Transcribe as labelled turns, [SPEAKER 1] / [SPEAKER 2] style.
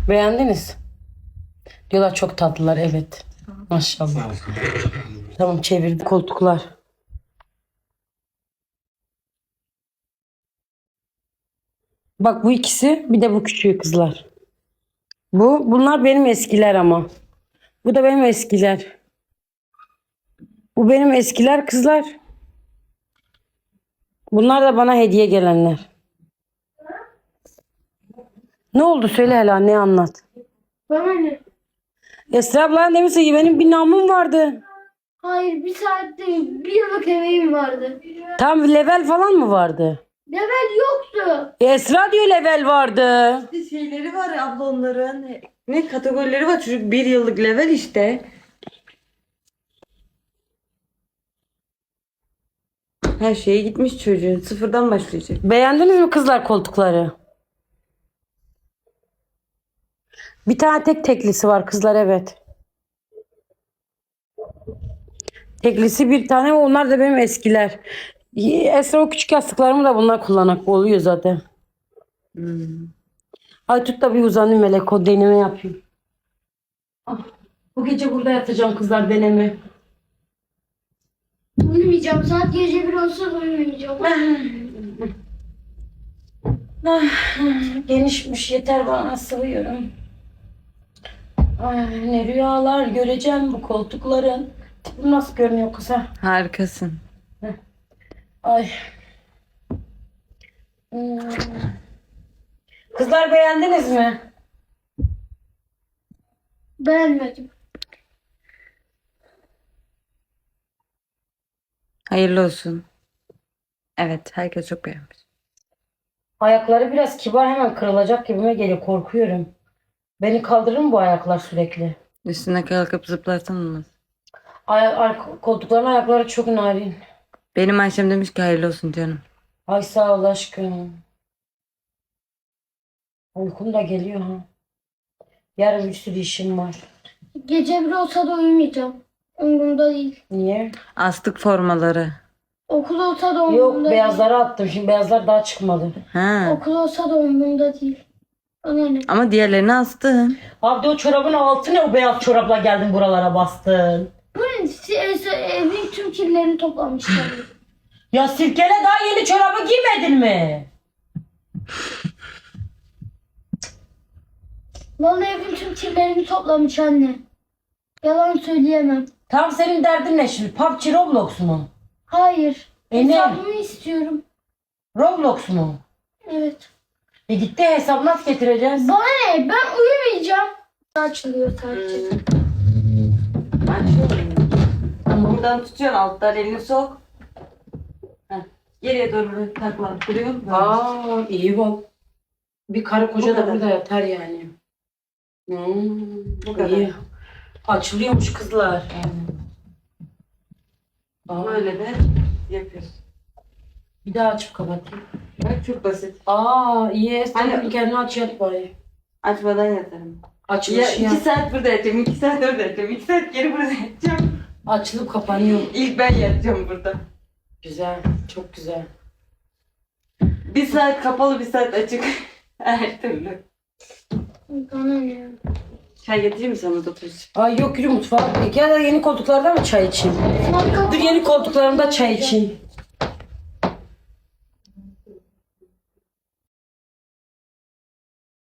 [SPEAKER 1] Beğendiniz? Diyorlar çok tatlılar, evet. Maşallah. Tamam, çevirdim koltuklar. Bak bu ikisi, bir de bu küçüğü kızlar. Bunlar benim eskiler ama. Bu da benim eskiler. Bu benim eskiler kızlar. Bunlar da bana hediye gelenler. Ne oldu söyle hele, ne anlat.
[SPEAKER 2] Bana ne?
[SPEAKER 1] Esra abla demişse ki benim bir namım vardı.
[SPEAKER 2] Hayır, bir saatte bir yıllık emeğim vardı.
[SPEAKER 1] Tam level falan mı vardı?
[SPEAKER 2] Level yoktu.
[SPEAKER 1] Esra diyor level vardı.
[SPEAKER 3] İşte şeyleri var ya abla onların. Ne kategorileri var, çocuk 1 yıllık level işte. Her şeye gitmiş çocuğun. Sıfırdan başlayacak.
[SPEAKER 1] Beğendiniz mi kızlar koltukları? Bir tane tek teklisi var kızlar, evet. Teklisi bir tane, onlar da benim eskiler. Esra o küçük yastıklarımı da bunlar kullanak oluyor zaten. Ay tut da bir uzanayım melek, o deneme yapayım. Ah, bu gece burada yatacağım kızlar, deneme.
[SPEAKER 2] Uyumayacağım. Saat gece 1 olsa da uyumayacağım.
[SPEAKER 1] Genişmiş, yeter bana, sığıyorum. Ay, ne rüyalar göreceğim bu koltukların. Tipim nasıl görünüyor kız ha?
[SPEAKER 3] Harikasın.
[SPEAKER 1] Ay. Hmm. Kızlar beğendiniz mi?
[SPEAKER 2] Beğenmedim.
[SPEAKER 3] Hayırlı olsun. Evet, herkes çok beğenmiş.
[SPEAKER 1] Ayakları biraz kibar, hemen kırılacak gibime geliyor, korkuyorum. Beni kaldırır mı bu ayaklar sürekli?
[SPEAKER 3] Üstüne kalkıp zıplarsan olmaz.
[SPEAKER 1] Koltukların ayakları çok narin.
[SPEAKER 3] Benim Ayşem demiş ki hayırlı olsun canım.
[SPEAKER 1] Ay sağ ol aşkım. Uykum da geliyor ha. Yarın bir sürü işim var.
[SPEAKER 2] Gece 1 olsa da uyumayacağım. Umurumda değil.
[SPEAKER 1] Niye?
[SPEAKER 3] Astık formaları.
[SPEAKER 2] Okul olsa da
[SPEAKER 1] Yok,
[SPEAKER 2] umurumda değil.
[SPEAKER 1] beyazları attım. Şimdi beyazlar daha çıkmadı.
[SPEAKER 3] Ha.
[SPEAKER 2] Okul olsa da umurumda değil. Bana ne?
[SPEAKER 3] Ama diğerlerini astın.
[SPEAKER 1] Abi o çorabın altı ne, o beyaz çorapla geldin buralara bastın.
[SPEAKER 2] Bu ne? Evin tüm kirlerini toplamışlar.
[SPEAKER 1] Ya Sirkele, daha yeni çorabı giymedin mi?
[SPEAKER 2] Vallahi evin tüm kirlerini toplamış anne. Yalan söyleyemem.
[SPEAKER 1] Tam senin derdin ne şimdi? PUBG, Roblox mu?
[SPEAKER 2] Hayır.
[SPEAKER 1] Ne?
[SPEAKER 2] Hesabımı istiyorum.
[SPEAKER 1] Roblox mu?
[SPEAKER 2] Evet.
[SPEAKER 1] Gitti, hesabı nasıl getireceğiz?
[SPEAKER 2] Bana ne? Ben uyumayacağım. Açılıyor sadece.
[SPEAKER 3] Ama buradan tutuyorsun, alttan elini sok. Heh. Geriye doğru taklandırıyor.
[SPEAKER 1] Aa, iyi bak. Bir karı koca
[SPEAKER 3] Bu
[SPEAKER 1] da
[SPEAKER 3] kadar.
[SPEAKER 1] burada yatar yani.
[SPEAKER 3] Bu kadar.
[SPEAKER 1] İyi. Açılıyormuş kızlar. Aa,
[SPEAKER 3] Böyle de yapıyorsun.
[SPEAKER 1] bir daha açıp kapatayım.
[SPEAKER 3] Bak çok basit.
[SPEAKER 1] Aa, iyi. Sen
[SPEAKER 3] Hani-
[SPEAKER 1] kendini aç, yat bari.
[SPEAKER 3] Açmadan yatarım. Ya
[SPEAKER 1] Açılış
[SPEAKER 3] 2 saat burada yatacağım, 2 saat orada yatacağım, 2 saat geri burada yatacağım.
[SPEAKER 1] Açılıp kapanıyor.
[SPEAKER 3] İlk ben yatacağım burada.
[SPEAKER 1] Güzel. Çok güzel.
[SPEAKER 3] 1 saat kapalı, 1 saat açık. Her türlü.
[SPEAKER 2] Bana ne?
[SPEAKER 3] Çay getireyim mi sana da tuz?
[SPEAKER 1] Ay yok, yürü mutfağa. Ya da yeni koltuklarda mı çay içeyim? Dur, yeni koltuklarımda çay içeyim.